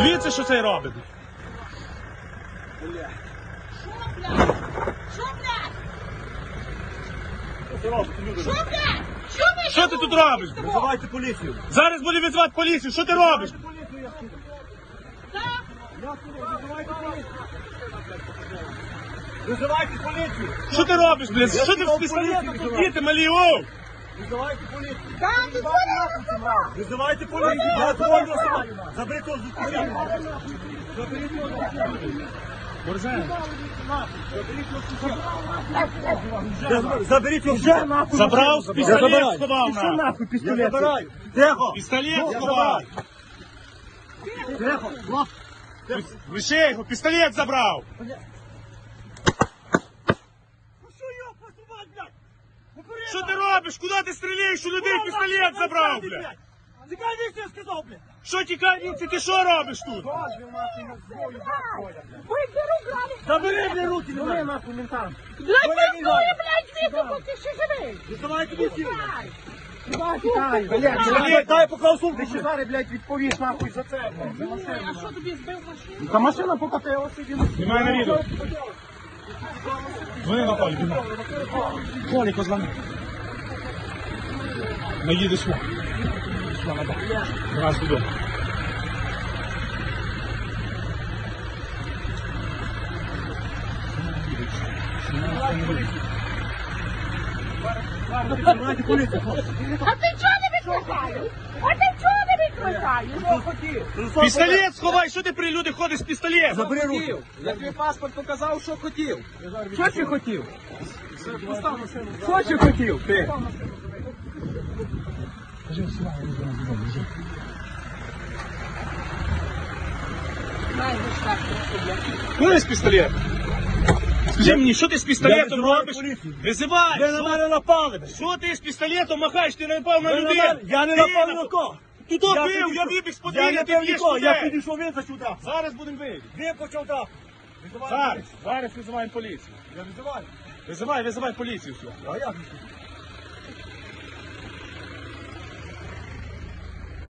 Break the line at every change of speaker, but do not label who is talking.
Дивіться, що цей робить.
Що, блядь? Що, блядь? Що, блядь?
Що ти тут робиш?
Визивайте поліцію.
Зараз буде визвати поліцію. Що ти робиш?
Так?
Визивайте поліцію. Визивайте поліцію.
Що ти робиш, блядь? Що ти з пістолетом тут діти малі, оу?
Визивайте поліцію.
Так, ти
Визивайте поліцію. Я дзвоню сам. Заберіть його з поліції. Заберіть його з поліції. Заберіть його вже нахуй.
Забрав пістолет, сховав
Що
на.
нахуй пістолет? Я забираю. Тихо.
Пістолет сховав.
Тихо.
Лише його, пістолет забрав. Що ти робиш? Куди ти стріляєш? У людей пістолет забрав, блядь.
Тікай віці, я сказав, блядь.
Що тікай, ти що робиш тут?
Вийди руками!
Забери мені руки, не дай нахуй ментам.
Блядь, ти блядь, звідти, ти ще живий!
Визивайте поліцію.
Блядь,
Дай поклав сумку.
Ти ще зараз, блядь, відповіш нахуй за це, блядь, за машину.
а що тобі збив машину?
Та машина покатила сиділа.
Немає на відео. Дзвони на Толі, біна. Толі, козлани. Наїдеш сюди. Раз туди.
Визивайте поліцію, хлопці.
А ти чого не відключаєш? А ти чого не відключаєш?
Пістолет сховай, що ти при люди ходиш з пістолетом?
Забери руки.
Я тобі паспорт показав, що хотів. Що ти хотів? Що ти хотів? Ти?
Куди з пістолетом? Скажи мені, що ти з пістолетом
визиваю
робиш?
поліцію.
Визивай!
Ви на мене напали, блядь.
Що ти з пістолетом махаєш? Ти не напав на
Ви на
людей!
мене- Я не напав ні на кого.
Ти то бив, я вибіг з
Я
подвір'я,
не
ти
пив
б'єш
нікого, я
людей!
підійшов, він зачудав.
Зараз будемо вийти.
Він почав так.
Зараз визиваємо поліцію.
Я визиваю.
Визивай поліцію. Все.
А як?